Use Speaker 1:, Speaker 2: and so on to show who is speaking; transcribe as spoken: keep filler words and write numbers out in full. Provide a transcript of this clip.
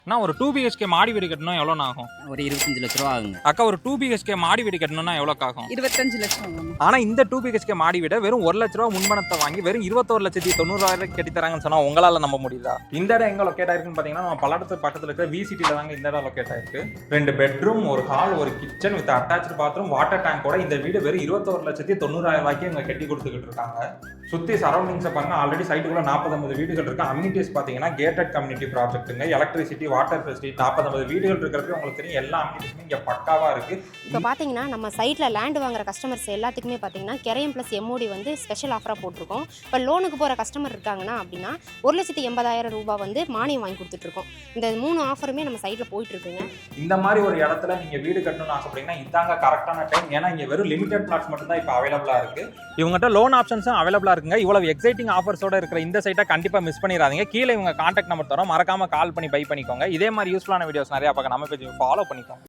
Speaker 1: நான் ஒரு two BHK மாடி வீடு கட்டணும் எவ்வளோ ஆகும்?
Speaker 2: ஒரு இருபத்தஞ்சு லட்ச ரூபா ஆகுங்க.
Speaker 1: அக்கா ஒரு டூ பிஹெச்கே மாடி வீடு கட்டணும்னா எவ்வளோ ஆகும்?
Speaker 3: இருபத்தஞ்சு லட்சம் ஆகும்.
Speaker 1: ஆனா இந்த டூ பிஹெச்கே மாடி வீட வெறும் ஒரு லட்ச ரூபா முன்பணத்தை வாங்கி வெறும் இருபத்தோரு லட்சத்தி தொண்ணூறாயிரம் கட்டி தராங்கன்னு சொன்னா உங்களால நம்ப முடியுதா? இந்த இடம் எங்க லொக்கேட் ஆயிருக்குன்னு பாத்தீங்கன்னா நம்ம பல்லடத்து பக்கத்துல இருக்கிற விசிட்டில தாங்க இந்த இடம் லொக்கேட் ஆயிருக்கு. ரெண்டு பெட்ரூம், ஒரு ஹால், ஒரு kitchen with attach bathroom, water டேங்கோட இந்த வீடு வெறும் இருபத்தோரு லட்சத்தி தொண்ணூறாயிரம் ரூபாய்க்கு இவங்க கட்டி கொடுத்துக்கிட்டு இருக்காங்க. சுத்தி சரௌண்டிங்ஸை பாருங்க, ஆல்ரெடி சைட்டுக்குள்ள நாற்பது ஐம்பது வீடுகள் இருக்கு. அம்யூனிட்டிஸ் பாத்தீங்கன்னா கேட்டட் கம்யூனிட்டி ப்ராஜெக்ட்டுங்க, எலக்ட்ரிசிட்டி, வாட்டர் ஃபெசிலிட்டி, நாற்பது ஐம்பது வீடுகள் இருக்கிறப்ப உங்களுக்கு தெரியும் எல்லா அம்யூனிட்டிஸுமே இங்க பக்காவா இருக்கு.
Speaker 4: இப்போ பார்த்தீங்கன்னா நம்ம சைட்டில் லேண்ட் வாங்குற கஸ்டமர்ஸ் எல்லாத்துக்குமே பார்த்தீங்கன்னா கெரையம் ப்ளஸ் எம்ஓடி வந்து ஸ்பெஷல் ஆஃபராக போட்டிருக்கோம். இப்போ லோனுக்கு போகிற கஸ்டமர் இருக்காங்கன்னா அப்படின்னா ஒரு லட்சத்தி எண்பதாயிரம் ரூபாய் வந்து மானியம் வாங்கி கொடுத்துட்ருக்கோம். இந்த மூணு ஆஃபருமே நம்ம சைட்டில் போயிட்டுருக்குங்க.
Speaker 1: இந்த மாதிரி ஒரு இடத்துல நீங்க வீடு கட்டணும்னு ஆசைப்பட்டீங்கன்னா இதாங்க கரெக்டான டைம். ஏன்னா இங்க வெறும் லிமிடெட் பிளாட்ஸ் மட்டும் தான் இப்போ அவைலபிளா இருக்கு. இவங்ககிட்ட லோன் ஆப்ஷன்ஸும் அவைலபிளா இருக்குங்க. இவ்வளவு எக்ஸைட்டிங் ஆஃபர்ஸோட இருக்கிற இந்த சைட்டை கண்டிப்பா மிஸ் பண்ணிடாதீங்க. கீழே இவங்க கான்டாக்ட் நம்பர் தரோம், மறக்காம கால் பண்ணி பை பண்ணிக்கோங்க. இதே மாதிரி யூஸ்ஃபுல்லான வீடியோஸ் நிறைய பார்க்க நம்ம பேஜ் ஃபாலோ பண்ணிக்கோங்க.